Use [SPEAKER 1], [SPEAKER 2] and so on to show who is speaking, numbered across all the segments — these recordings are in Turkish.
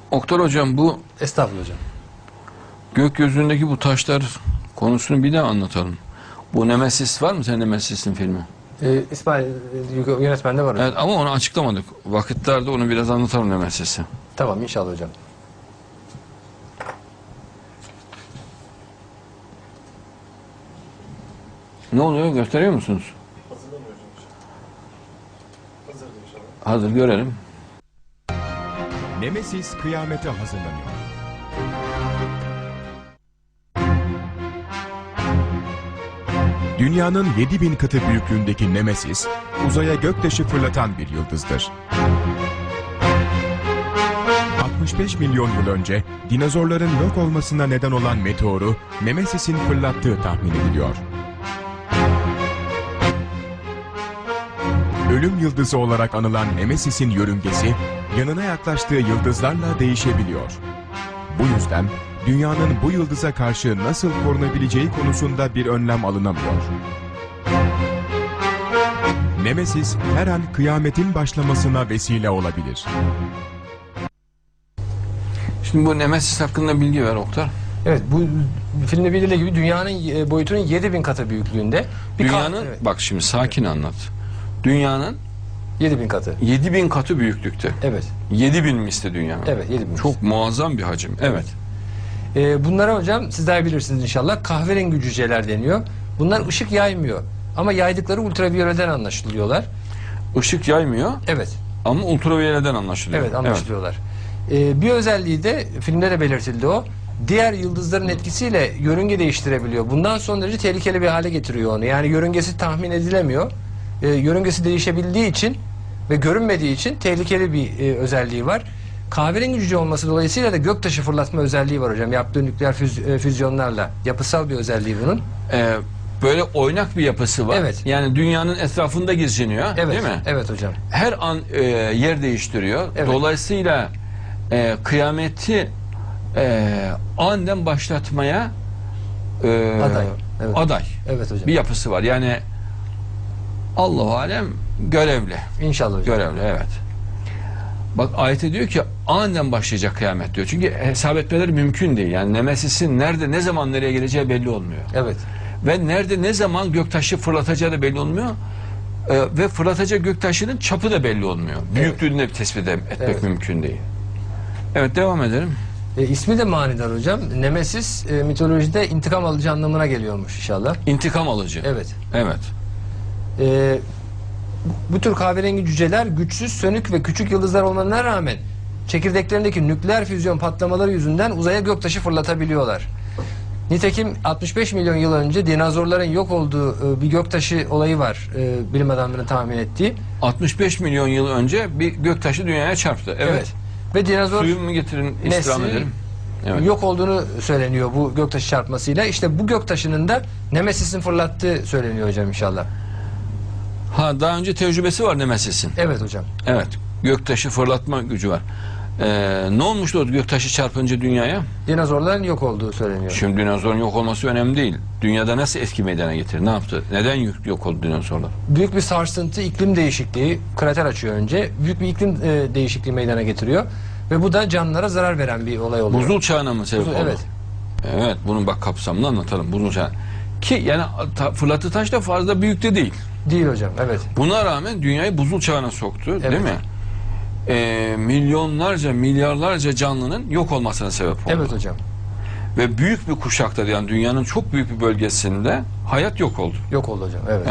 [SPEAKER 1] Oktar hocam, bu
[SPEAKER 2] Estağfurullah hocam.
[SPEAKER 1] gökyüzündeki bu taşlar konusunu bir daha anlatalım. Bu Nemesis var mı senin Nemesis'in filmi?
[SPEAKER 2] İsmail yönetmende var hocam.
[SPEAKER 1] Evet, ama onu açıklamadık. Vakitlerde onu biraz anlatalım Nemesis'i.
[SPEAKER 2] Tamam inşallah hocam.
[SPEAKER 1] Ne oluyor, gösteriyor musunuz? Hazır, görelim.
[SPEAKER 3] Nemesis kıyamete hazırlanıyor. Dünyanın 7000 katı büyüklüğündeki Nemesis, uzaya göktaşı fırlatan bir yıldızdır. 65 milyon yıl önce dinozorların yok olmasına neden olan meteoru Nemesis'in fırlattığı tahmin ediliyor. Ölüm yıldızı olarak anılan Nemesis'in yörüngesi, yanına yaklaştığı yıldızlarla değişebiliyor. Bu yüzden dünyanın bu yıldıza karşı nasıl korunabileceği konusunda bir önlem alınamıyor. Nemesis her an kıyametin başlamasına vesile olabilir.
[SPEAKER 1] Şimdi bu Nemesis hakkında bilgi ver Oktar.
[SPEAKER 2] Evet, bu filmde bildiği gibi dünyanın boyutunun 7000 katı büyüklüğünde.
[SPEAKER 1] Dünyanın,
[SPEAKER 2] evet,
[SPEAKER 1] bak şimdi sakin anlat. Dünyanın
[SPEAKER 2] 7000 katı.
[SPEAKER 1] 7000 katı büyüklükte.
[SPEAKER 2] Evet.
[SPEAKER 1] 7000 misli dünya.
[SPEAKER 2] Evet, 7000.
[SPEAKER 1] Çok muazzam bir hacim. Evet.
[SPEAKER 2] Bunlara hocam sizler bilirsiniz inşallah kahverengi cüceler deniyor. Bunlar ışık yaymıyor. Ama yaydıkları ultraviyoleden anlaşılıyorlar.
[SPEAKER 1] Işık yaymıyor
[SPEAKER 2] Evet.
[SPEAKER 1] ama ultraviyoleden anlaşılıyor.
[SPEAKER 2] Evet, anlaşılıyorlar. Bir özelliği de filmde de belirtildi o. Diğer yıldızların etkisiyle yörünge değiştirebiliyor. Bundan son derece tehlikeli bir hale getiriyor onu. Yani yörüngesi tahmin edilemiyor. Yörüngesi değişebildiği için ve görünmediği için tehlikeli bir özelliği var. Kahverengi cüce olması dolayısıyla da göktaşı fırlatma özelliği var hocam. Yaptığı nükleer füzyonlarla. Yapısal bir özelliği bunun.
[SPEAKER 1] Böyle oynak bir yapısı var.
[SPEAKER 2] Evet.
[SPEAKER 1] Yani dünyanın etrafında geziniyor,
[SPEAKER 2] Evet.
[SPEAKER 1] değil mi?
[SPEAKER 2] Evet hocam.
[SPEAKER 1] Her an yer değiştiriyor.
[SPEAKER 2] Evet.
[SPEAKER 1] Dolayısıyla kıyameti aniden başlatmaya
[SPEAKER 2] Aday. Evet.
[SPEAKER 1] aday
[SPEAKER 2] Evet hocam.
[SPEAKER 1] bir yapısı var. Yani Allahu alem görevli.
[SPEAKER 2] İnşallah hocam.
[SPEAKER 1] Görevli, evet. Bak ayette diyor ki aniden başlayacak kıyamet diyor. Çünkü hesap etmeleri mümkün değil. Yani Nemesis'in nerede, ne zaman nereye geleceği belli olmuyor.
[SPEAKER 2] Evet.
[SPEAKER 1] Ve nerede, ne zaman göktaşı fırlatacağı da belli olmuyor. Ve fırlatacak göktaşının çapı da belli olmuyor. Büyüklüğünü de tespit etmek mümkün değil. Evet, devam edelim.
[SPEAKER 2] İsmi de manidar hocam. Nemesis mitolojide intikam alıcı anlamına geliyormuş inşallah.
[SPEAKER 1] İntikam alıcı.
[SPEAKER 2] Evet.
[SPEAKER 1] Evet.
[SPEAKER 2] Bu tür kahverengi cüceler güçsüz, sönük ve küçük yıldızlar olmalarına rağmen çekirdeklerindeki nükleer füzyon patlamaları yüzünden uzaya göktaşı fırlatabiliyorlar. Nitekim 65 milyon yıl önce dinozorların yok olduğu bir göktaşı olayı var bilim adamlarının tahmin ettiği.
[SPEAKER 1] 65 milyon yıl önce bir göktaşı dünyaya çarptı. Evet.
[SPEAKER 2] Ve dinozor
[SPEAKER 1] Suyu mu getirin, istirham
[SPEAKER 2] nesli
[SPEAKER 1] edelim. Evet.
[SPEAKER 2] yok olduğunu söyleniyor bu göktaşı çarpmasıyla. İşte bu göktaşının da Nemesis'in fırlattığı söyleniyor hocam inşallah.
[SPEAKER 1] Ha, daha önce tecrübesi var Nemesis'in.
[SPEAKER 2] Evet hocam.
[SPEAKER 1] Evet. Göktaşı fırlatma gücü var. Ne olmuştu o göktaşı çarpınca dünyaya?
[SPEAKER 2] Dinozorların yok olduğu söyleniyor.
[SPEAKER 1] Şimdi dinozorun yok olması önemli değil. Dünyada nasıl etki meydana getirdi? Ne yaptı? Neden yok oldu dinozorlar?
[SPEAKER 2] Büyük bir sarsıntı, iklim değişikliği, krater açıyor önce. Büyük bir iklim değişikliği meydana getiriyor. Ve bu da canlılara zarar veren bir olay oluyor.
[SPEAKER 1] Buzul çağına mı sebep oldu?
[SPEAKER 2] Evet.
[SPEAKER 1] Evet, bunun bak kapsamını anlatalım. Buzul çağı. Ki yani fırlattığı taş da fazla büyük de değil.
[SPEAKER 2] Değil hocam, evet.
[SPEAKER 1] Buna rağmen dünyayı buzul çağına soktu,
[SPEAKER 2] Evet.
[SPEAKER 1] değil mi? Milyonlarca, milyarlarca canlının yok olmasına sebep oldu.
[SPEAKER 2] Evet hocam.
[SPEAKER 1] Ve büyük bir kuşakta, yani dünyanın çok büyük bir bölgesinde hayat yok oldu.
[SPEAKER 2] Yok oldu hocam, evet.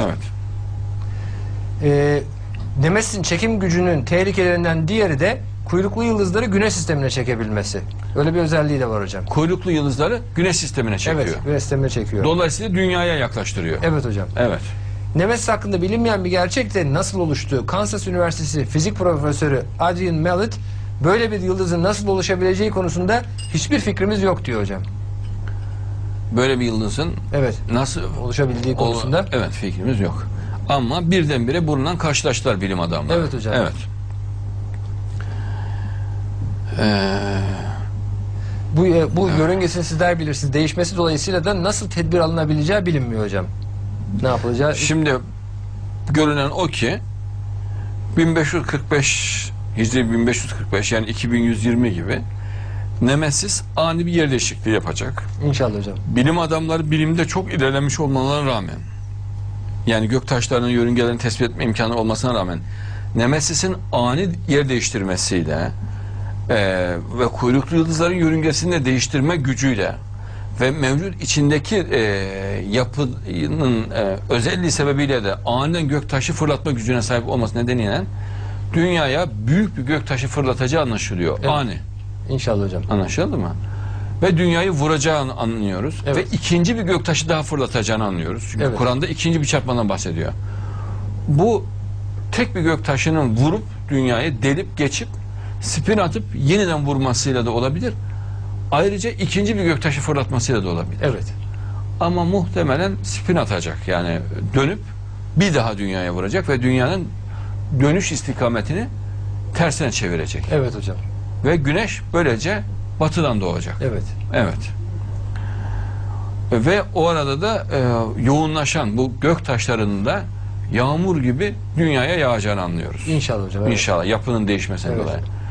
[SPEAKER 1] Evet.
[SPEAKER 2] Nemesis'in çekim gücünün tehlikelerinden diğeri de kuyruklu yıldızları güneş sistemine çekebilmesi. Öyle bir özelliği de var hocam.
[SPEAKER 1] Kuyruklu yıldızları güneş sistemine çekiyor.
[SPEAKER 2] Evet, güneş sistemine çekiyor.
[SPEAKER 1] Dolayısıyla dünyaya yaklaştırıyor.
[SPEAKER 2] Evet hocam.
[SPEAKER 1] Evet.
[SPEAKER 2] Nemesis hakkında bilinmeyen bir gerçek de nasıl oluştuğu, Kansas Üniversitesi fizik profesörü Adrian Mallet, böyle bir yıldızın nasıl oluşabileceği konusunda hiçbir fikrimiz yok diyor hocam.
[SPEAKER 1] Böyle bir yıldızın
[SPEAKER 2] Evet.
[SPEAKER 1] nasıl
[SPEAKER 2] Oluşabildiği konusunda.
[SPEAKER 1] Evet, fikrimiz yok. Ama birdenbire bununla karşılaştılar bilim adamları.
[SPEAKER 2] Evet hocam.
[SPEAKER 1] Evet.
[SPEAKER 2] Bu yörüngesini sizler bilirsiniz. Değişmesi dolayısıyla da nasıl tedbir alınabileceği bilinmiyor hocam. Ne yapılacağı?
[SPEAKER 1] Şimdi görünen o ki 1545 Hicri 1545 yani 2120 gibi Nemesis ani bir yer değişikliği yapacak.
[SPEAKER 2] İnşallah hocam.
[SPEAKER 1] Bilim adamları bilimde çok ilerlemiş olmalarına rağmen, yani göktaşlarının yörüngelerini tespit etme imkanı olmasına rağmen, Nemesis'in ani yer değiştirmesiyle ve kuyruklu yıldızların yörüngesini de değiştirme gücüyle ve mevcut içindeki yapının özelliği sebebiyle de aniden göktaşı fırlatma gücüne sahip olması nedeniyle dünyaya büyük bir göktaşı fırlatacağı anlaşılıyor.
[SPEAKER 2] Evet.
[SPEAKER 1] Ani.
[SPEAKER 2] İnşallah hocam.
[SPEAKER 1] Anlaşıldı mı? Ve dünyayı vuracağını anlıyoruz.
[SPEAKER 2] Evet.
[SPEAKER 1] Ve ikinci bir göktaşı daha fırlatacağını anlıyoruz. Çünkü
[SPEAKER 2] Evet.
[SPEAKER 1] Kur'an'da ikinci bir çarpmadan bahsediyor. Bu tek bir göktaşının vurup dünyayı delip geçip spin atıp yeniden vurmasıyla da olabilir. Ayrıca ikinci bir göktaşı fırlatmasıyla da olabilir.
[SPEAKER 2] Evet.
[SPEAKER 1] Ama muhtemelen spin atacak. Yani dönüp bir daha dünyaya vuracak ve dünyanın dönüş istikametini tersine çevirecek.
[SPEAKER 2] Evet hocam.
[SPEAKER 1] Ve güneş böylece batıdan doğacak.
[SPEAKER 2] Evet.
[SPEAKER 1] Evet. Ve o arada da yoğunlaşan bu gök taşlarının da yağmur gibi dünyaya yağacağını anlıyoruz.
[SPEAKER 2] İnşallah hocam. Evet.
[SPEAKER 1] İnşallah yapının değişmesinden
[SPEAKER 2] Evet.
[SPEAKER 1] dolayı.